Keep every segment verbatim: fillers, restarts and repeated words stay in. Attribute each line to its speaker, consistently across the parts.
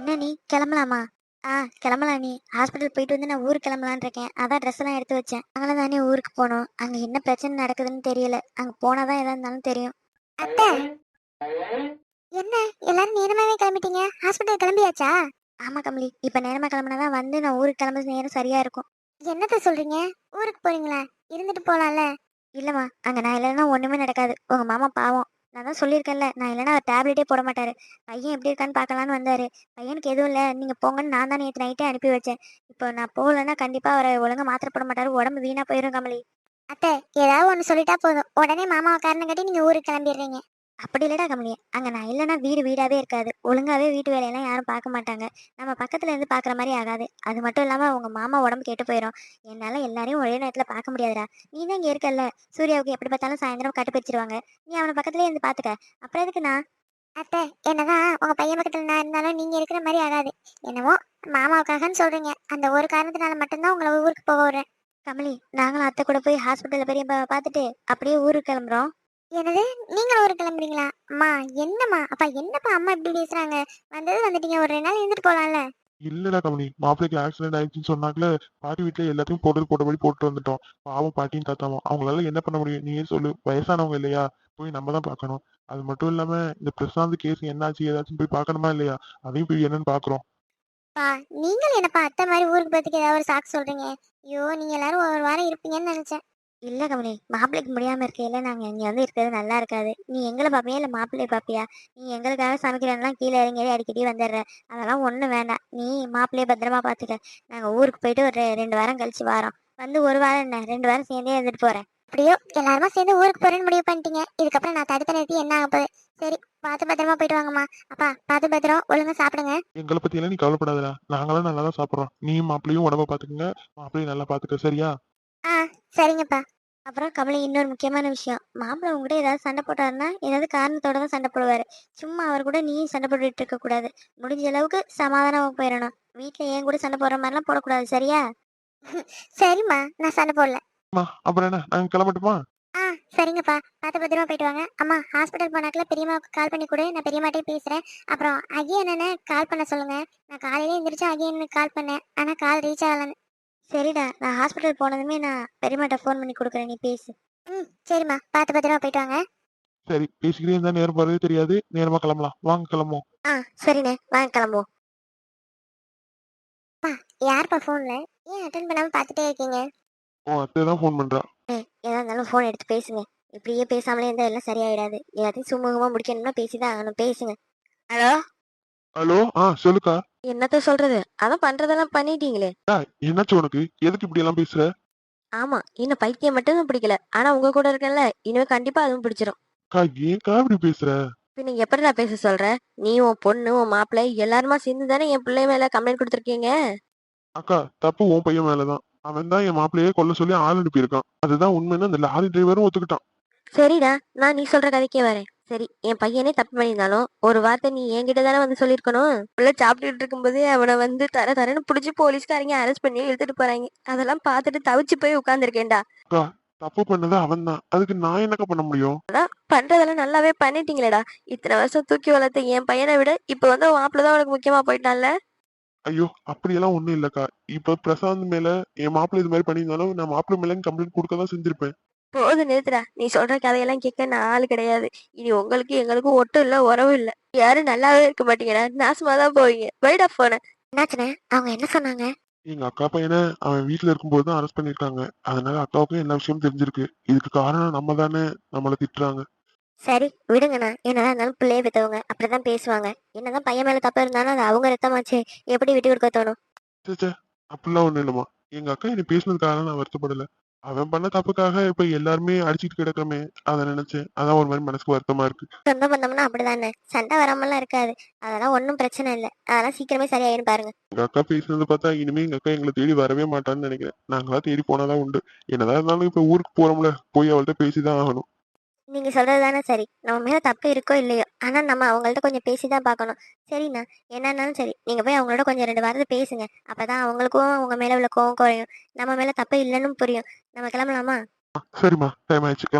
Speaker 1: என்ன நீ கிளம்பலாமா? ஆ கிளம்பலாம் நீ. ஹாஸ்பிட்டல் போயிட்டு வந்து நான் ஊருக்கு கிளம்பலான்னு இருக்கேன். அதான் ட்ரெஸ் எல்லாம் எடுத்து வச்சேன். அதனால தானே ஊருக்கு போனோம். அங்க என்ன பிரச்சனை நடக்குதுன்னு தெரியல. அங்க போனாதான் எதா இருந்தாலும் தெரியும். அத்தை, என்ன எல்லாரும் நேரமாவே கிளம்பிட்டீங்க? ஹாஸ்பிட்டல் கிளம்பியாச்சா? ஆமா கமலி, இப்ப நேரமா கிளம்புனாதான் வந்து நான் ஊருக்கு கிளம்புறது நேரம் சரியா இருக்கும். என்னத்த சொல்றீங்க? ஊருக்கு போறீங்களா? இருந்துட்டு போலாம்ல. இல்லம்மா, அங்க நான் இல்லைன்னா ஒண்ணுமே நடக்காது. உங்க மாமா பாவம். நான் தான் சொல்லியிருக்கேன்ல, நான் இல்லைன்னா அவர் டேப்லெட்டே போட மாட்டாரு. பையன் எப்படி இருக்கான்னு பார்க்கலான்னு வந்தாரு. பையனுக்கு எதுவும் இல்லை, நீங்க போங்கன்னு நான் தான் நேற்று நைட்டே அனுப்பி வச்சேன். இப்போ நான் போகலன்னா கண்டிப்பா அவரை ஒழுங்கா மாத்திரை போட மாட்டாரு, உடம்பு வீணா போயிடும் கமலி. அத்தை, ஏதாவது ஒன்று சொல்லிட்டா போதும் உடனே மாமாவை காரணம் கட்டி நீங்க ஊருக்கு கிளம்பிடுறீங்க. அப்படி இல்லடா கமலி, அங்க நான் இல்லைன்னா வீடு வீடாவே இருக்காது. ஒழுங்காவே வீட்டு வேலையெல்லாம் யாரும் பார்க்க மாட்டாங்க. நம்ம பக்கத்துல இருந்து பாக்குற மாதிரி ஆகாது. அது மட்டும் இல்லாம உங்க மாமா உடம்பு கெட்டு போயிடும். என்னால எல்லாரையும் ஒரே நேரத்துல பார்க்க முடியாதுடா. நீ தான் இங்க இருக்கல்ல. சூர்யாவுக்கு எப்படி பார்த்தாலும் சாயந்தரம் கட்டு பிடிச்சிருவாங்க. நீ அவனை பக்கத்துலயே இருந்து பாத்துக்க. அப்புறம் எதுக்கு நான்? அத்தை, என்னதான் உங்க பையன் பக்கத்துல நான் இருந்தாலும் நீங்க இருக்கிற மாதிரி ஆகாது. என்னவோ மாமாவுக்காகன்னு சொல்றீங்க. அந்த ஒரு காரணத்தினால மட்டும்தான் உங்களை ஊருக்கு போக விடுறேன். கமலி, நாங்களும் அத்தை கூட போய் ஹாஸ்பிட்டல்ல பெரிய பார்த்துட்டு அப்படியே ஊருக்கு கிளம்புறோம். என்னது, நீங்களும் ஊருக்கு கிளம்புறீங்களா? அம்மா, என்னம்மா அப்பா, என்னப்பா அம்மா இப்படி பேசுறாங்க? வந்தது வந்துட்டீங்க, ஒரு ரெண்டு நாள் இருந்துட்டு போலாம்ல.
Speaker 2: இல்லடா கமலி, மாப்பிள்ளைக்கு ஆக்சிடென்ட் ஆயிடுச்சுன்னு சொன்னாங்களே. பாட்டி வீட்டுல எல்லாத்தையும் போட்டது போட்டபடி போட்டு வந்துட்டோம். பாவம் பாட்டியும் தாத்தாவும், அவங்களால என்ன பண்ண முடியும்? நீயே சொல்லு, வயசானவங்க இல்லையா? போய் நம்ம தான் பார்க்கணும். அது மட்டும் இல்லாம இந்த பிரசாந்த் கேஸ் என்னாச்சு ஏதாச்சும் போய் பார்க்கணுமா இல்லையா? அதையும் போய் என்னன்னு பாக்குறோம்.
Speaker 1: பா, நீங்கள் என்னப்பா அத்தை மாதிரி ஊருக்கு போறதுக்கு ஏதாவது ஒரு சாக்கு சொல்றீங்க? ஐயோ, நீங்க எல்லாரும் ஒரு வாரம் இருப்பீங்கன்னு நினைச்சேன். இல்ல கமலி, மாப்பிள்ளைக்கு முடியாம இருக்கையில நாங்க இங்க வந்து இருக்கிறது நல்லா இருக்காது. நீ எங்களை பாப்பியா இல்ல மாப்பிள்ளைய பாப்பியா? நீ எங்களுக்காக சமைக்கிறேன்னா கீழே இறங்கி அடிக்கடி வந்துடுற. அதெல்லாம் ஒண்ணும் வேண்டாம். நீ மாப்பிள்ளைய பத்திரமா பாத்துக்க. நாங்க ஊருக்கு போயிட்டு ஒரு ரெ- ரெண்டு வாரம் கழிச்சு வாரோம். வந்து ஒரு வாரம் என்ன, ரெண்டு வாரம் சேர்ந்தே இருந்துட்டு போறேன். அப்படியோ எல்லாருமா சேர்ந்து ஊருக்கு போறேன்னு முடிவு பண்ணிட்டீங்க. இதுக்கப்புறம் நான் தடுத்த நிறுத்தி என்ன ஆக போகுது? சரி, பார்த்து பத்திரமா போயிட்டு வாங்கம்மா. அப்பா, பார்த்து பத்திரம், ஒழுங்கா சாப்பிடுங்க.
Speaker 2: எங்களை பத்தி எல்லாம் நீ கவலைப்படாதடா, நாங்களாம் நல்லா தான் சாப்பிடுறோம். நீயும் மாப்பிள்ளையும் உடம்ப பாத்துக்கங்க. மாப்பிள்ளையும் நல்லா பாத்துக்க, சரியா?
Speaker 1: ஆ, சரிங்கப்பா. அப்புறம் கமலி, இன்னொரு முக்கியமான விஷயம். மாப்பிள்ளை உங்ககிட்ட ஏதாவது சண்டை போட்டாருன்னா ஏதாவது காரணத்தோட தான் சண்டை போடுவாரு. சும்மா அவர் கூட நீயும் சண்டை போட்டுட்டு இருக்க கூடாது. முடிஞ்ச அளவுக்கு சமாதானமா போயிடணும். வீட்டுல ஏன் கூட சண்டை போடுற மாதிரிலாம் போடக்கூடாது, சரியா? சரிம்மா, நான் சண்டை போடல.
Speaker 2: அம்மா, அப்புறம் என்ன, நாங்க கிளம்பட்டுமா?
Speaker 1: ஆ, சரிங்கப்பா. பார்த்து பத்திரமா போயிட்டு வாங்க. அம்மா, ஹாஸ்பிட்டல் போனாக்கல பெரியம்மாவுக்கு கால் பண்ணி கொடு, நான் பெரியம்மாட்டே பேசுறேன். அப்புறம் அகிய அண்ணனை கால் பண்ண சொல்லுங்க. நான் காலையில எந்திரிச்சு அகிய அண்ணனுக்கு கால் பண்ணேன், ஆனா கால் ரீச் ஆகலன்னு. சரிடா, நான் ஹாஸ்பிட்டல் போனதுமே நான் பெரியம்மாட்ட ஃபோன் பண்ணி கொடுக்குறேன், நீ பேசு. ம், சரிம்மா. பார்த்து பத்திரமா போயிட்டு வாங்க.
Speaker 2: சரி, பேசிக்கிட்டே இருந்தா நேரம் போறதே தெரியாது. நேரமா கிளம்பலாம், வாங்க கிளம்புவோம்.
Speaker 1: ஆ, சரிண்ணே, வாங்க கிளம்புவோம். பா, யார்ப்பா ஃபோன்ல? ஏன் அட்டன் பண்ணாம பார்த்துட்டே இருக்கீங்க?
Speaker 2: உன் அத்தை தான் ஃபோன் பண்றா.
Speaker 1: ஏய், எதா இருந்தாலும் ஃபோன் எடுத்து பேசுங்க. இப்படியே பேசாமலே இருந்தா எல்லாம் சரியாயிடாது. எல்லாத்தையும் சுமூகமா முடிக்கணும்னா பேசிதான் ஆகணும், பேசுங்க. ஹலோ.
Speaker 2: ஹலோ, ஆ சொல்லுக்கா.
Speaker 1: என்னத்த சொல்றது? அதான் பண்றதெல்லாம் பண்ணிட்டீங்களே.
Speaker 2: டேய், என்னாச்சு உனக்கு? எதுக்கு இப்படி எல்லாம் பேசுற?
Speaker 1: ஆமா, இன்னும் பைத்தியம் மட்டும் தான் பிடிக்கல. ஆனா உங்க கூட இருக்கேன்ல, இனிமே கண்டிப்பா அதுவும் பிடிச்சிரும்.
Speaker 2: அக்கா, ஏன்க்கா இப்படி பேசுற?
Speaker 1: பின்ன எப்படி நான் பேச சொல்ற? நீ, உன் பொண்ணு, உன் மாப்பிள்ளை எல்லாருமா சேர்ந்து தானே என் பிள்ளை மேல கம்ப்ளைண்ட் கொடுத்துருக்கீங்க.
Speaker 2: அக்கா, தப்பு உன் பையன் மேலதான். அவன் தான் என் மாப்பிள்ளையே கொல்ல சொல்லி ஆள் அனுப்பியிருக்கான். அதுதான் உண்மைன்னு அந்த லாரி டிரைவரும் ஒத்துக்கிட்டான்.
Speaker 1: சரிடா, நான் நீ சொல்ற கதைக்கே வரேன். சரி, என் பையனே தப்பு பண்ணியிருந்தாலும் ஒரு வார்த்தை நீ என்கிட்ட தானே வந்து சொல்லியிருக்கணும். உள்ள சாப்பிட்டுட்டு இருக்கும்போதே அவனை வந்து தர தரன்னு பிடிச்சி போலீஸ்காரங்க அரெஸ்ட் பண்ணி இழுத்துட்டு போறாங்க. அதெல்லாம் பார்த்துட்டு தவிச்சு போய் உட்காந்துருக்கேன்டா.
Speaker 2: அக்கா, தப்பு பண்ணது அவன் தான். அதுக்கு நான் என்னக்கா பண்ண முடியும்?
Speaker 1: பண்றதெல்லாம் நல்லாவே பண்ணிட்டீங்களேடா. இத்தனை வருஷம் தூக்கி வளர்த்த என் பையனை விட இப்ப வந்து மாப்பிள்ள தான் உனக்கு முக்கியமா போயிட்டான்ல.
Speaker 2: ஐயோ, அப்படியெல்லாம் ஒண்ணும் இல்லக்கா. இப்ப பிரசாந்த் மேல என் மாப்பிள்ளை இது மாதிரி பண்ணியிருந்தாலும் நான் மாப்பிள்ளை மேல கம்ப்ளைண்ட் கொடுக்க தான் செஞ்சிருப்பேன்.
Speaker 1: போதும், நிறுத்துடா. நீ சொல்ற கதையெல்லாம் கேட்க நான் ஆளு கிடையாது. இனி உங்களுக்கு எங்களுக்கும் ஒட்டும் இல்ல, உறவும் இல்ல. யாரும் நல்லாவே இருக்க மாட்டீங்கடா, நாசமா தான் போவீங்க. வைடா போன. என்னாச்சுனே, அவங்க என்ன சொன்னாங்க?
Speaker 2: எங்க அக்கா பையனை அவன் வீட்டுல இருக்கும்போது தான் அரெஸ்ட் பண்ணிருக்காங்க. அதனால அக்காவுக்கும் எல்லா விஷயமும் தெரிஞ்சிருக்கு. இதுக்கு காரணம் நம்ம தானே. நம்மள திட்டுறாங்க.
Speaker 1: சரி, விடுங்கண்ணா. என்னதான் இருந்தாலும் பிள்ளைய பெற்றவங்க அப்படிதான் பேசுவாங்க. என்னதான் பையன் மேல தப்பு இருந்தாலும் அது அவங்க ரத்தமாச்சு. எப்படி விட்டு கொடுக்க தோணும்?
Speaker 2: ச்சே ச்சே, அப்படிலாம் ஒண்ணும் இல்லம்மா. எங்க அக்கா என்னை பேசுனதுக்காக நான் வருத்தப்படல. அவன் பண்ண தப்புக்காக இப்ப எல்லாருமே அடிச்சிட்டு கிடக்கமே, அதை நினைச்சேன். அதான் ஒரு மாதிரி மனசுக்கு வருத்தமா இருக்கு.
Speaker 1: சொந்த பந்தம்னா அப்படிதானே, சண்டை வராமலாம் இருக்காது. அதெல்லாம் ஒன்றும் பிரச்சனை இல்லை. அதெல்லாம் சீக்கிரமே சரியாயிரும் பாருங்க.
Speaker 2: எங்க அக்கா பேசுனது பார்த்தா இனிமே எங்க அக்கா எங்களை தேடி வரவே மாட்டான்னு நினைக்கிறேன். நாங்களா தேடி போனாதான் உண்டு. என்னதான் இருந்தாலும் இப்ப ஊருக்கு போறோம்ல, போய் அவள்கிட்ட பேசிதான் ஆகணும்.
Speaker 1: நீங்க சொல்றது தானே சரி. நம்ம மேல தப்பு இருக்கோ இல்லையோ, ஆனா நம்ம அவங்கள்ட்ட கொஞ்சம் பேசிதான் பார்க்கணும். சரிண்ணா, என்னன்னாலும் சரி, நீங்க போய் அவங்களோட கொஞ்சம் ரெண்டு வாரத்தை பேசுங்க. அப்பதான் அவங்களுக்கும் உங்க மேல உள்ள கோவம் குறையும். நம்ம மேல தப்பு இல்லைன்னு புரியும். நம்ம கிளம்பலாமா?
Speaker 2: சரிம்மா, டைம் ஆயிடுச்சு, கிளம்பலாம்.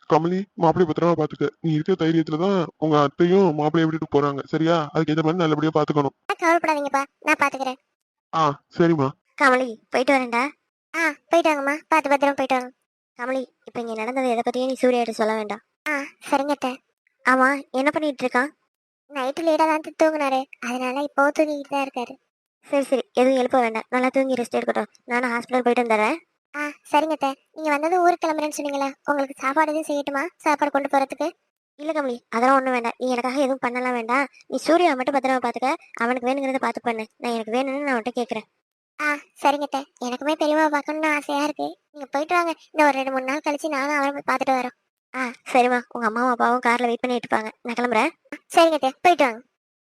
Speaker 2: கமலி, மாப்பிள்ளைய பத்திரமா பாத்துக்க. நீ இருக்கிற தைரியத்துலதான் உங்க அத்தையும் மாப்பிள்ளைய விட்டுட்டு போறாங்க. சரியா? அதுக்கு ஏத்த மாதிரி நல்லபடியா பாத்துக்கணும்.
Speaker 1: கவலைப்படாதீங்கப்பா, நான் பாத்துக்கிறேன்.
Speaker 2: ஆ, சரிம்மா.
Speaker 1: கமலி, போயிட்டு வரேன்டா. ஆ, போயிட்டு வாங்கம்மா, பார்த்து பத்திரமா போயிட்டு வாங்க. கமலி, இப்போ இங்க நடந்தது எதை பத்தியும் நீ சூர்யாட்ட சொல்ல வேண்டாம். ஆ, சரிங்க அத்தை. ஆமா, என்ன பண்ணிட்டு இருக்கான்? நைட்டு லேட்டாக தான் தூங்குனாரு, அதனால இப்போ தூங்கிட்டு தான் இருக்காரு. சரி சரி, எதுவும் எழுப்ப வேண்டாம், நல்லா தூங்கி ரெஸ்ட் எடுக்கட்டும். நானும் ஹாஸ்பிட்டல் போயிட்டு வந்துடுறேன். ஆ, சரிங்க அத்தை. நீங்க வந்தது ஊருக்கு கிளம்புறேன்னு சொன்னீங்களே, உங்களுக்கு சாப்பாடு எதுவும் செய்யட்டுமா? சாப்பாடு கொண்டு போறதுக்கு? இல்ல கமலி, அதெல்லாம் ஒன்றும் வேண்டாம். நீ எனக்காக எதுவும் பண்ணலாம் வேண்டாம். நீ சூர்யாவை மட்டும் பத்திரமா பார்த்துக்க. அவனுக்கு வேணுங்கிறத பார்த்து பண்ணு. நான் எனக்கு வேணும்னு நான் அவன்கிட்ட கேட்குறேன். ஆ, சரிங்க அத்தை. எனக்குமே பெரியம்மா பார்க்கணும்னு ஆசையா இருக்கு. நீங்க போயிட்டு வாங்க. இன்னும் ஒரு ரெண்டு மூணு நாள் கழிச்சு நானும் அவரை போய் பார்த்துட்டு வரோம். ஆ, சரிம்மா. உங்க அம்மாவும் அப்பாவும் கார்ல வெயிட் பண்ணிட்டு இருப்பாங்க. நான் கிளம்புறேன். சரிங்க அத்தை, போயிட்டு வாங்க.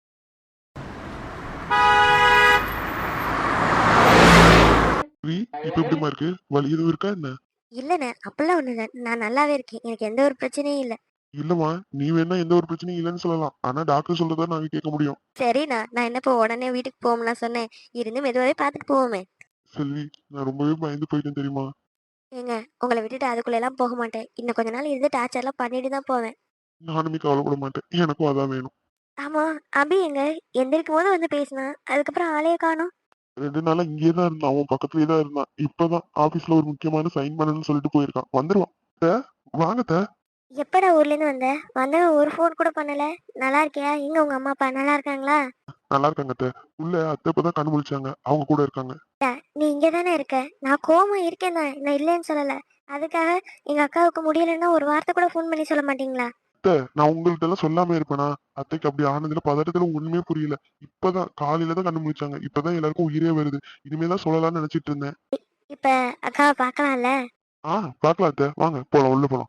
Speaker 2: வி, இப்ப எப்படிம்மா இருக்கு? வலி எதுவும் இருக்கா என்ன?
Speaker 1: இல்லண்ணே, அப்படிலாம் ஒண்ணு இல்லை. நான் நல்லாவே இருக்கேன். எனக்கு எந்த ஒரு பிரச்சனையும் இல்லை.
Speaker 2: இல்லம்மா, நீ வேணா எந்த ஒரு பிரச்சனையும் இல்லைன்னு சொல்லலாம். ஆனா டாக்டர் சொல்றதா நாங்க கேட்க முடியும்.
Speaker 1: சரிண்ணா, நான் என்ன இப்போ உடனே வீட்டுக்கு போகணும்லாம் சொன்னேன். இருந்து மெதுவாகவே பார்த்துட்டு போவோமே.
Speaker 2: செல்வி, நான் ரொம்பவே பயந்து போயிட்டேன் தெரியுமா?
Speaker 1: ஏங்க, உங்களை விட்டுட்டு அதுக்குள்ள எல்லாம் போக மாட்டேன். இன்னும் கொஞ்ச நாள் இருந்து டார்ச்சர்லாம் பண்ணிட்டு தான் போவேன்.
Speaker 2: நானுமே கவலைப்பட மாட்டேன். எனக்கும் அதான் வேணும்.
Speaker 1: ஆமா, அபி எங்க? எந்திரிக்கும் போது வந்து பேசினா, அதுக்கப்புறம் ஆளையே காணோம்.
Speaker 2: ரெண்டு நாளா இங்கேயே தான் இருந்தான். அவன் பக்கத்துலயே தான் இருந்தான். இப்பதான் ஆபீஸ்ல ஒரு முக்கியமான சைன் பண்ணணும்னு சொல்லிட்டு போயிருக்கான். வந்துருவான். அத்தை, வாங்க அத்தை.
Speaker 1: எப்படா ஊர்ல இருந்து வந்த? வந்தவன் ஒரு ஃபோன் கூட பண்ணல. நல்லா இருக்கியா? எங்க உங்க அம்மா அப்பா நல்லா இருக்காங்களா?
Speaker 2: நல்லா இருக்காங்க அத்தை. உள்ள அத்தை இப்பதான் கண்ணு முழிச்சாங்க. அவங்க கூட இருக்காங்க.
Speaker 1: நீ இங்க தானே இருக்க? நான் கோவமா இருக்கேன் தான், நான் இல்லைன்னு சொல்லல. அதுக்காக எங்க அக்காவுக்கு முடியலன்னா ஒரு வார்த்தை கூட ஃபோன் பண்ணி சொல்ல மாட்டீங்களா?
Speaker 2: அத்தை, நான் உங்கள்ட்ட எல்லாம் சொல்லாம இருப்பேனா? அத்தைக்கு அப்படி ஆனதுல பதட்டத்துல ஒண்ணுமே புரியல. இப்பதான் காலையில தான் கண்ணு முழிச்சாங்க. இப்பதான் எல்லாருக்கும் உயிரே வருது. இனிமே தான் சொல்லலாம்னு நினைச்சிட்டு இருந்தேன்.
Speaker 1: இப்ப அக்காவை பார்க்கலாம்ல?
Speaker 2: ஆ, பாக்கலாம் அத்தை. வாங்க போலாம், உள்ள போலாம்.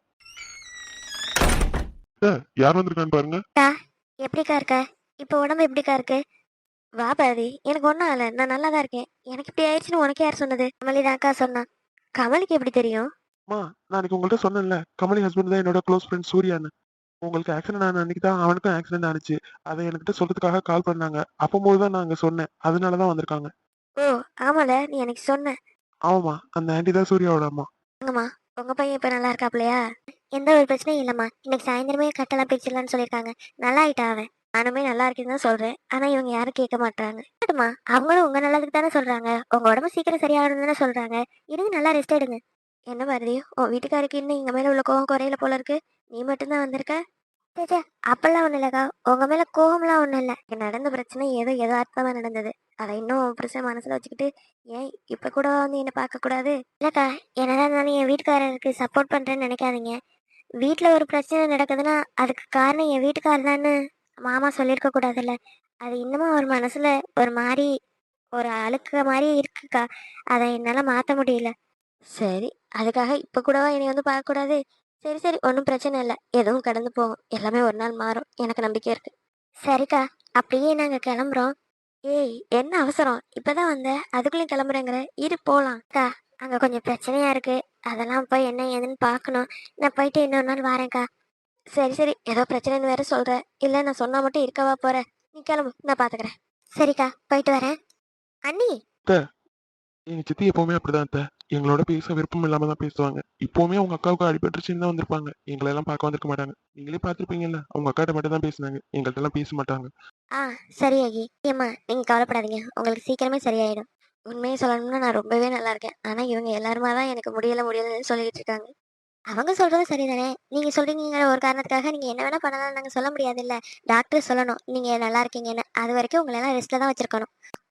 Speaker 2: அத்தை, யார் வந்திருக்கான்னு பாருங்க.
Speaker 1: அக்கா, எப்படிக்கா இருக்க? இப்ப உடம்பு எப்படிக்கா இருக்கு? வா பாரதி, எனக்கு ஒன்றும் ஆகல, நான் நல்லா தான் இருக்கேன். எனக்கு இப்படி ஆயிடுச்சுன்னு உனக்கு யார் சொன்னது? கமலி தான் அக்கா சொன்னா. கமலுக்கு எப்படி தெரியும்?
Speaker 2: அம்மா, நான் அன்னைக்கு உங்கள்ட்ட சொன்னேன்ல, கமலி ஹஸ்பண்ட் தான் என்னோட க்ளோஸ் ஃப்ரெண்ட் சூர்யான்னு. உங்களுக்கு ஆக்சிடென்ட் ஆன அன்னைக்கு தான் அவனுக்கும் ஆக்சிடென்ட் ஆனிச்சு. அதை என்கிட்ட சொல்றதுக்காக கால் பண்ணாங்க. அப்பம்போது தான் நான் அங்க சொன்னேன். அதனால தான் வந்திருக்காங்க.
Speaker 1: ஓ, ஆமால, நீ எனக்கு சொன்ன.
Speaker 2: ஆமாம்மா, அந்த ஆண்டி தான் சூர்யாவோட அம்மா.
Speaker 1: வாங்கம்மா, உங்க பையன் இப்ப நல்லா இருக்காப்லையா? எந்த ஒரு பிரச்சனையும் இல்லம்மா. இன்னைக்கு சாயந்தரமே கட்டெல்லாம் பிரிச்சிடலாம்னு சொல்லியிருக்காங்க. நல்லா ஆயிட்டா அவன். நானுமே நல்லா இருக்கேன்னு தான் சொல்றேன். ஆனா இவங்க யாரும் கேட்க மாட்டாங்க. கேட்டுமா, அவங்களும் உங்க நல்லதுக்கு தானே சொல்றாங்க. உங்க உடம்பு சீக்கிரம் சரியாகணும்னு தானே சொல்றாங்க. இருங்க, நல்லா ரெஸ்ட் எடுங்க. என்ன பாரதி, உன் வீட்டுக்காருக்கு இன்னும் எங்க மேல உள்ள கோவம் குறையில போல இருக்கு. நீ மட்டும்தான் வந்திருக்க. சேச்சே, அப்பெல்லாம் ஒண்ணும் இல்லக்கா. உங்க மேல கோவம்லாம் ஒண்ணும் இல்ல. இங்க நடந்த பிரச்சனை ஏதோ யதார்த்தமா நடந்தது. அதை இன்னும் பிரச்சனை மனசுல வச்சுக்கிட்டு ஏன் இப்ப கூட வந்து என்ன பார்க்க கூடாது? இல்லக்கா, என்னதான் இருந்தாலும் என் வீட்டுக்காரருக்கு சப்போர்ட் பண்றேன்னு நினைக்காதீங்க. வீட்ல ஒரு பிரச்சனை நடக்குதுன்னா அதுக்கு காரணம் என் வீட்டுக்காரர் தான்னு மாமா சொல்லியிருக்க கூடாதுல்ல. அது இன்னமும் அவர் மனசுல ஒரு மாதிரி ஒரு அழுக்க மாதிரி இருக்குக்கா. அதை என்னால மாத்த முடியல. சரி, அதுக்காக இப்ப கூடவா என்னை வந்து பார்க்க கூடாது? சரி சரி, ஒன்றும் பிரச்சனை இல்லை. எதுவும் கடந்து போகும். எல்லாமே ஒரு நாள் மாறும். எனக்கு நம்பிக்கை இருக்கு. சரிக்கா, அப்படியே நாங்க கிளம்புறோம். ஏய், என்ன அவசரம்? இப்பதான் வந்த, அதுக்குள்ளேயும் கிளம்புறேங்கிற? இரு போலாம். அக்கா, அங்க கொஞ்சம் பிரச்சனையா இருக்கு. அதெல்லாம் போய் என்ன ஏதுன்னு பார்க்கணும். நான் போயிட்டு இன்னொரு நாள் வரேன்க்கா. சரி சரி, ஏதோ பிரச்சனைன்னு வேற சொல்ற. இல்ல, நான் சொன்னா மட்டும் இருக்கவா போற? நீ கிளம்பு, நான் பாத்துக்கிறேன். சரிக்கா, போயிட்டு வரேன். அண்ணி.
Speaker 2: அத்தை, எங்க சித்தி எப்பவுமே அப்படிதான் அத்தை. எங்களோட பேச விருப்பம் இல்லாம தான் பேசுவாங்க. இப்பவுமே அவங்க அக்காவுக்கு அடிபட்டுருச்சுன்னு தான் வந்திருப்பாங்க. எங்களை எல்லாம் பார்க்க வந்திருக்க மாட்டாங்க. நீங்களே பார்த்திருப்பீங்கல்ல, அவங்க அக்காட்ட மட்டும் தான் பேசினாங்க. எங்கள்ட்ட எல்லாம் பேச மாட்டாங்க.
Speaker 1: ஆ, சரி ஆகி. ஏம்மா, நீங்க கவலைப்படாதீங்க. உங்களுக்கு சீக்கிரமே சரியாயிடும். உண்மையை சொல்லணும்னா நான் ரொம்பவே நல்லா இருக்கேன். ஆனா இவங்க எல்லாருமா தான் எனக்கு முடியல முடியலன்னு சொல்லிட்டு இருக்காங்க. அவங்க சொல்றது சரிதானே. நீங்க சொல்றீங்கிற ஒரு காரணத்துக்காக நீங்க என்ன வேணா பண்ணலாம்னு நாங்க சொல்ல முடியாது இல்ல. டாக்டர் சொல்லணும் நீங்க நல்லா இருக்கீங்கன்னு. அது வரைக்கும் உங்களை எல்லாம் ரெஸ்ட்ல தான் வச்சிருக்கணும்.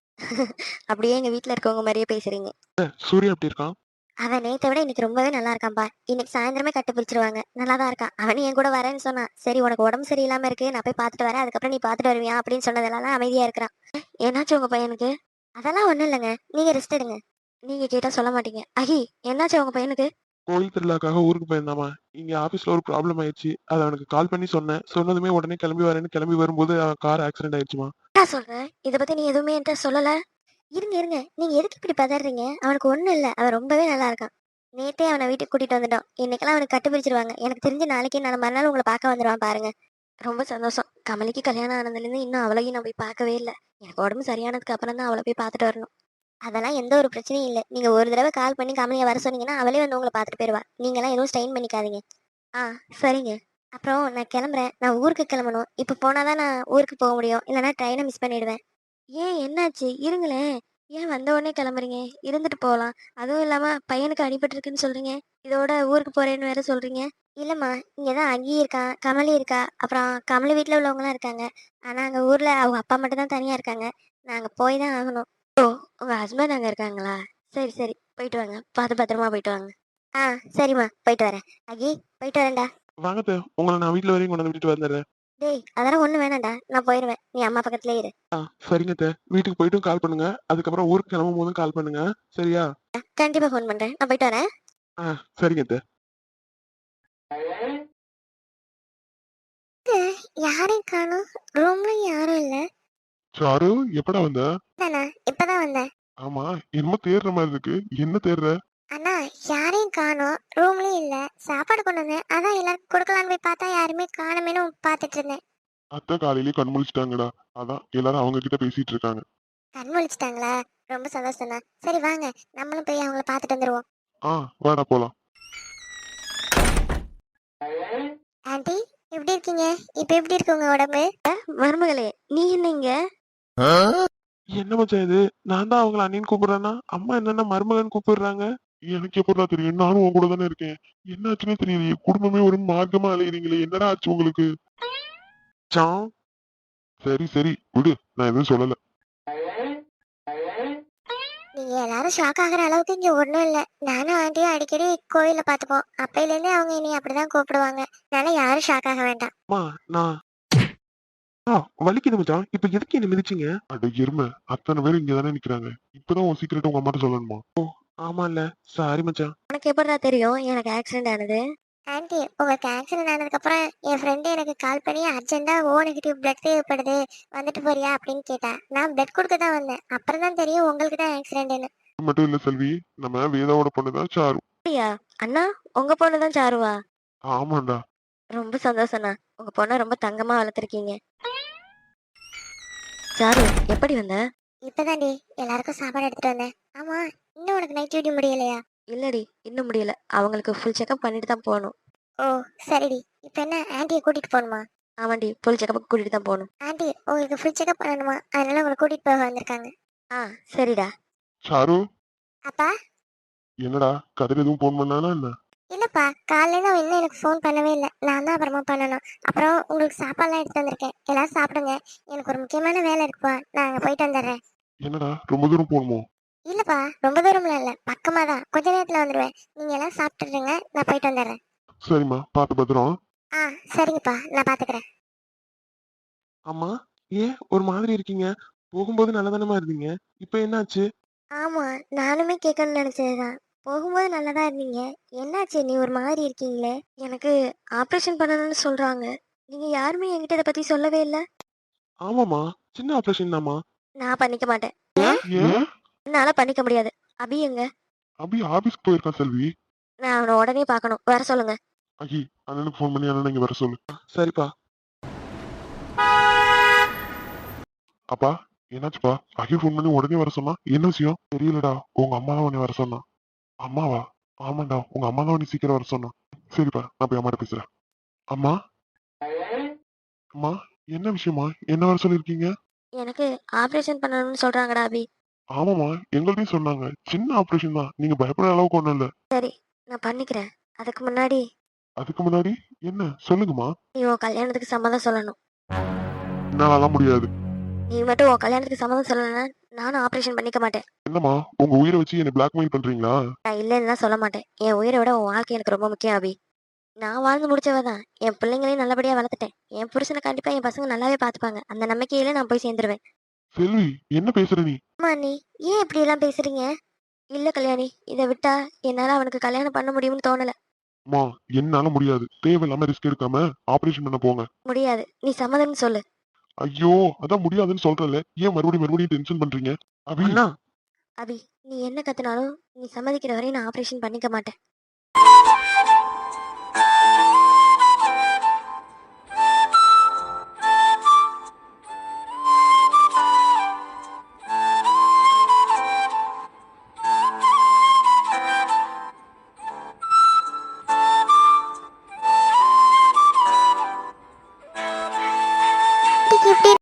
Speaker 1: அப்படியே எங்க வீட்ல இருக்கவங்க மாதிரியே பேசுறீங்க.
Speaker 2: அத்தை, சூர்யா எப்படி இருக்கான்?
Speaker 1: அவன் நேத்தை விட இன்னைக்கு ரொம்பவே நல்லா இருக்கான்பா. இன்னைக்கு சாயந்தரமே கட்டு பிரிச்சிருவாங்க. நல்லா தான் இருக்கான். அவன் என் கூட வரேன்னு சொன்னான். சரி, உனக்கு உடம்பு சரியில்லாம இருக்கு, நான் போய் பார்த்துட்டு வரேன், அதுக்கப்புறம் நீ பார்த்துட்டு வருவியா அப்படின்னு சொன்னதெல்லாம் அமைதியா இருக்கிறான். என்னாச்சு உங்க பையனுக்கு? அதெல்லாம் ஒண்ணும் இல்லைங்க, நீங்க ரெஸ்ட் எடுங்க. நீங்க கேட்டா சொல்ல மாட்டீங்க. அஹி, என்னாச்சு உங்க பையனுக்கு?
Speaker 2: கோயில் திருவிழாக்காக ஊருக்கு போயிருந்தாமா. இங்க ஆபீஸ்ல ஒரு ப்ராப்ளம் ஆயிடுச்சு. அதை அவனுக்கு கால் பண்ணி சொன்னேன். சொன்னதுமே உடனே கிளம்பி வரேன்னு கிளம்பி வரும்போது அவன் கார் ஆக்சிடென்ட் ஆயிடுச்சுமா.
Speaker 1: என்ன சொல்ற? இதை பத்தி நீ எதுவுமே என்கிட்ட சொல்லல. இருங்க இருங்க, நீங்க எதுக்கு இப்படி பதறீங்க? அவனுக்கு ஒண்ணும் இல்ல, அவன் ரொம்பவே நல்லா இருக்கான். நேத்தே அவனை வீட்டுக்கு கூட்டிட்டு வந்துட்டோம். இன்னைக்கெல்லாம் அவனுக்கு கட்டு பிரிச்சிருவாங்க. எனக்கு தெரிஞ்ச நாளைக்கு நான் மறுநாள் உங்களை பார்க்க வந்துடுவான் பாருங்க. ரொம்ப சந்தோஷம். கமலிக்கு கல்யாணம் ஆனதுலேருந்து இன்னும் அவளையும் நான் போய் பார்க்கவே இல்லை. எனக்கு உடம்பு சரியானதுக்கு அப்புறம் தான் அவளை போய் பார்த்துட்டு வரணும். அதெல்லாம் எந்த ஒரு பிரச்சனையும் இல்லை. நீங்க ஒரு தடவை கால் பண்ணி கமலியை வர சொன்னீங்கன்னா அவளே வந்து உங்களை பார்த்துட்டு போயிடுவா. நீங்களாம் எதுவும் ஸ்ட்ரெயின் பண்ணிக்காதீங்க. ஆ சரிங்க. அப்புறம் நான் கிளம்புறேன். நான் ஊருக்கு கிளம்பணும். இப்ப போனா தான் நான் ஊருக்கு போக முடியும். இல்லன்னா ட்ரெயின மிஸ் பண்ணிடுவேன். ஏன் என்னாச்சு? இருங்களேன். ஏன் வந்த உடனே கிளம்புறீங்க? இருந்துட்டு போகலாம். அதுவும் இல்லாம பையனுக்கு அடிபட்டுருக்குன்னு சொல்றீங்க. இதோட ஊருக்கு போறேன்னு வேற சொல்றீங்க. இல்லம்மா, இங்க தான் அகி இருக்கான், கமலி இருக்கா, அப்புறம் கமலி வீட்ல உள்ளவங்கலாம் இருக்காங்க. ஆனா அங்க ஊர்ல அவங்க அப்பா மட்டும் தான் தனியா இருக்காங்க. நாங்க போய் தான் ஆகணும். ஓ! உங்க ஹஸ்பண்ட் அங்க இருக்காங்களா? சரி, சரி. போயிட்டு வாங்க. பார்த்து பத்திரமா போயிட்டு வாங்க. ஆ சரிம்மா. போயிட்டு வரேன். அகி, போயிட்டு வரேன்டா.
Speaker 2: வாங்க அத்தை, உங்களை நான் வீட்ல வரையும் கொண்டு வந்து விட்டுட்டு வந்துடுறேன்.
Speaker 1: டேய், அதெல்லாம் ஒண்ணும் வேணாம்டா. நான் போயிருவேன். நீ அம்மா பக்கத்துலயே இரு.
Speaker 2: ஆ சரிங்க அத்தை, வீட்டுக்கு போயிட்டும் கால் பண்ணுங்க. அதுக்கப்புறம் ஊருக்கு கிளம்பும் போதும் கால் பண்ணுங்க. சரியா?
Speaker 1: கண்டிப்பா ஃபோன் பண்றேன். நான் போயிட்டு வரேன்.
Speaker 2: ஆ சரிங்க அத்தை.
Speaker 1: யாரையும் காணோம். ரூம்ல யாரும் இல்ல.
Speaker 2: சாரு, எப்படா வந்த?
Speaker 1: தானா இப்பதான் வந்தேன்.
Speaker 2: ஆமா, என்னமோ தேடுற மாதிரி இருக்கு. என்ன தேடுற?
Speaker 1: அண்ணா, யாரையும் காணோம். ரூம்லயும் இல்ல. சாப்பாடு கொண்டு வந்தேன். அதான் எல்லாருக்கும் கொடுக்கலான்னு போய் பார்த்தா யாருமே காணுமேனு பார்த்துட்டு இருந்தேன்.
Speaker 2: அத்தை காலையிலேயே கண் முழிச்சிட்டாங்கடா. அதான் எல்லாரும் அவங்க கிட்ட பேசிட்டு இருக்காங்க.
Speaker 1: கண் முழிச்சிட்டாங்களா? ரொம்ப சந்தோஷம்ண்ணா. சரி வாங்க, நம்மளும் போய் அவங்கள பார்த்துட்டு வந்துருவோம்.
Speaker 2: ஆ வாடா போலாம்.
Speaker 1: ஆண்டி, எப்படி இருக்கீங்க? இப்ப எப்படி இருக்கு உங்க உடம்பு? மருமகளே, நீ என்னங்க?
Speaker 2: என்ன மச்சான் இது? நான் தான் அவங்கள அண்ணின்னு கூப்பிடுறேன்னா அம்மா என்னன்னா மருமகன் கூப்பிடுறாங்க. எனக்கு எப்படா தெரியும்? நானும் உன் கூட தானே இருக்கேன். என்னாச்சுன்னே தெரியலையே. குடும்பமே ஒரு மார்க்கமா அலையுறீங்களே. என்னடா ஆச்சு உங்களுக்கு? சாம், சரி சரி விடு, நான் எதுவும் சொல்லல.
Speaker 1: நீங்க எல்லாரும் ஷாக் ஆகுற அளவுக்கு இங்க ஒண்ணும் இல்ல. நானும் ஆண்டியும் அடிக்கடி கோயில்ல பாத்துப்போம். அப்பையில இருந்தே அவங்க இனி அப்படிதான் கூப்பிடுவாங்க. அதனால யாரும் ஷாக் ஆக வேண்டாம்.
Speaker 2: அம்மா, நான் ஆ வலிக்குது மச்சான். இப்ப எதுக்கு என்ன மிதிச்சீங்க? அட எருமை, அத்தனை பேர் இங்க தானே நிக்கிறாங்க. இப்பதான் உன் சீக்கிரட் உங்க அம்மாட்ட சொல்லணுமா? ஓ ஆமால, சாரி மச்சான்.
Speaker 1: உனக்கு எப்படிடா தெரியும் எனக்கு ஆக்சிடென்ட் ஆனது? ஆன்ட்டி, உங்களுக்கு ஆக்சிடென்ட் ஆனதுக்கு அப்புறம் என் ஃப்ரெண்டு எனக்கு கால் பண்ணி அர்ஜென்ட்டா ஓ நெகட்டிவ் பிளட் தேவைப்படுது, வந்துட்டு போறியா அப்படின்னு கேட்டா. நான் பிளட் கொடுக்க தான் வந்தேன். அப்புறம் தான் தெரியும் உங்களுக்கு தான் ஆக்சிடென்ட்னு.
Speaker 2: இது மட்டும் இல்ல செல்வி, நம்ம வேதாவோட பொண்ணுதான் சாரு.
Speaker 1: அப்படியா? அண்ணா, உங்க பொண்ணு தான் சாருவா?
Speaker 2: ஆமாண்டா.
Speaker 1: ரொம்ப சந்தோஷம்ண்ணா. உங்க பொண்ணை ரொம்ப தங்கமா வளர்த்துருக்கீங்க. சாரு, எப்படி வந்த? இப்பதான்டி எல்லாருக்கும் சாப்பாடு எடுத்துட்டு வந்தேன். ஆமா, இன்னும் உனக்கு நைட் டியூட்டி முடியலையா? இல்லடி, இன்னும் முடியல. அவங்களுக்கு ஃபுல் செக்அப் பண்ணிட்டு தான் போகணும். ஓ சரிடி. இப்போ என்ன ஆன்ட்டியை கூட்டிட்டு போகணுமா? ஆமாண்டி, ஃபுல் செக்அப் கூட்டிட்டு தான் போகணும். ஆன்ட்டி, உங்களுக்கு ஃபுல் செக்அப் பண்ணணுமா? அதனால உங்களை கூட்டிட்டு போக வந்திருக்காங்க. ஆ சரிடா.
Speaker 2: சாரு,
Speaker 1: அப்பா?
Speaker 2: என்னடா கதிர் எதுவும் போன் பண்ணானா என்ன?
Speaker 1: இல்லப்பா, காலையில அவன் இன்னும் எனக்கு ஃபோன் பண்ணவே இல்லை. நான் தான் அப்புறமா பண்ணணும். அப்புறம் உங்களுக்கு சாப்பாடுலாம் எடுத்து வந்திருக்கேன். எல்லாரும் சாப்பிடுங்க. எனக்கு ஒரு முக்கியமான வேலை இருக்குப்பா. நான் அங்கே போயிட்டு வந்துடுறேன்.
Speaker 2: என்னடா ரொம்ப தூரம் போகணுமோ?
Speaker 1: இல்லப்பா, ரொம்ப தூரம்லாம் இல்லை, பக்கமா தான். கொஞ்ச நேரத்துல வந்துடுவேன். நீங்க எல்லாம் சாப்பிட்டுருங்க, நான் போயிட்டு வந்துடுறேன்.
Speaker 2: சரிம்மா, பார்த்து பத்திரம்.
Speaker 1: ஆ சரிங்கப்பா, நான் பாத்துக்கிறேன்.
Speaker 2: அம்மா, ஏன் ஒரு மாதிரி இருக்கீங்க? போகும்போது நல்லதானமா இருந்தீங்க. இப்ப என்னாச்சு?
Speaker 1: ஆமா, நானுமே கேட்கணும்னு நினைச்சதுதான். போகும்போது நல்லதா இருந்தீங்க. என்னாச்சு நீ ஒரு மாதிரி இருக்கீங்களே? எனக்கு ஆப்ரேஷன் பண்ணணும்னு சொல்றாங்க. நீங்க யாருமே என்கிட்ட இதை பத்தி சொல்லவே இல்லை.
Speaker 2: ஆமாமா, சின்ன ஆபரேஷன் தாம்மா.
Speaker 1: நான் பண்ணிக்க மாட்டேன்.
Speaker 2: ஏன்?
Speaker 1: என்னால பண்ணிக்க முடியாது. அபி எங்க?
Speaker 2: அபி ஆபீஸ்க்கு போயிருக்கான் செல்வி.
Speaker 1: நான் அவனை உடனே பார்க்கணும். வர சொல்லுங்க.
Speaker 2: அகி, அண்ணனுக்கு ஃபோன் பண்ணி அண்ணன் இங்க வர சொல்லு. சரிப்பா. அப்பா, என்னாச்சுப்பா? அகி ஃபோன் பண்ணி உடனே வர சொன்னா என்ன விஷயம்? தெரியலடா, உங்க அம்மா தான் உன்னை வர சொன்னா. அம்மாவா? ஆமாண்டா, உங்க அம்மா தான் உன்னை சீக்கிரம் வர சொன்னா. சரிப்பா, நான் போய் அம்மாட்ட பேசுறேன். அம்மா, அம்மா, என்ன விஷயமா என்ன வர சொல்லிருக்கீங்க?
Speaker 1: எனக்கு ஆப்ரேஷன் பண்ணணும்னு சொல்றாங்கடா அபி.
Speaker 2: ஆமாமா, எங்கள்ட்டையும் சொன்னாங்க. சின்ன ஆபரேஷன் தான், நீங்க பயப்படுற அளவுக்கு ஒண்ணும் இல்ல.
Speaker 1: சரி, நான் பண்ணிக்கிறேன். அதுக்கு முன்னாடி
Speaker 2: அதுக்கு முன்னாடி என்ன சொல்லுங்கம்மா.
Speaker 1: நீ உன் கல்யாணத்துக்கு சம்மதம் சொல்லணும்.
Speaker 2: என்னாலலாம் முடியாது.
Speaker 1: நீ மட்டும் உன் கல்யாணத்துக்கு சம்மதம் சொல்லலைன்னா நானும் ஆப்ரேஷன் பண்ணிக்க மாட்டேன்.
Speaker 2: என்னம்மா, உங்க உயிரை வச்சு என்ன பிளாக்மெயில் பண்றீங்களா?
Speaker 1: நான் இல்லைன்னுலாம் சொல்ல மாட்டேன். என் உயிரை விட உன் வாழ்க்கை எனக்கு ரொம்ப முக்கியம் அபி. நான் வாழ்ந்து முடிச்சவ தான். என் பிள்ளைங்களையும் நல்லபடியா வளர்த்துட்டேன். என் புருஷனை கண்டிப்பா என் பசங்க நல்லாவே பார்த்துப்பாங்க. அந்த நம்பிக்கையில நான் போய் சேர்ந்துருவேன்.
Speaker 2: செல்வி, என்ன பேசுற நீ?
Speaker 1: அம்மா, நீ ஏன் இப்படி எல்லாம் பேசுறீங்க? இல்ல கல்யாணி, இதை விட்டா என்னால அவனுக்கு கல்யாணம் பண்ண முடியும்னு தோணல.
Speaker 2: அம்மா, என்னால முடியாது. தேவையில்லாம ரிஸ்க் எடுக்காம ஆபரேஷன் பண்ண போங்க.
Speaker 1: முடியாது. நீ சம்மதம்னு சொல்லு.
Speaker 2: ஐயோ, அதான் முடியாதுன்னு சொல்றேன்ல. ஏன் மறுபடியும் மறுபடியும் டென்ஷன் பண்றீங்க? அபி,
Speaker 1: அபி, நீ என்ன கத்துனாலும் நீ சம்மதிக்கிற வரை நான் ஆப்ரேஷன் பண்ணிக்க மாட்டேன்.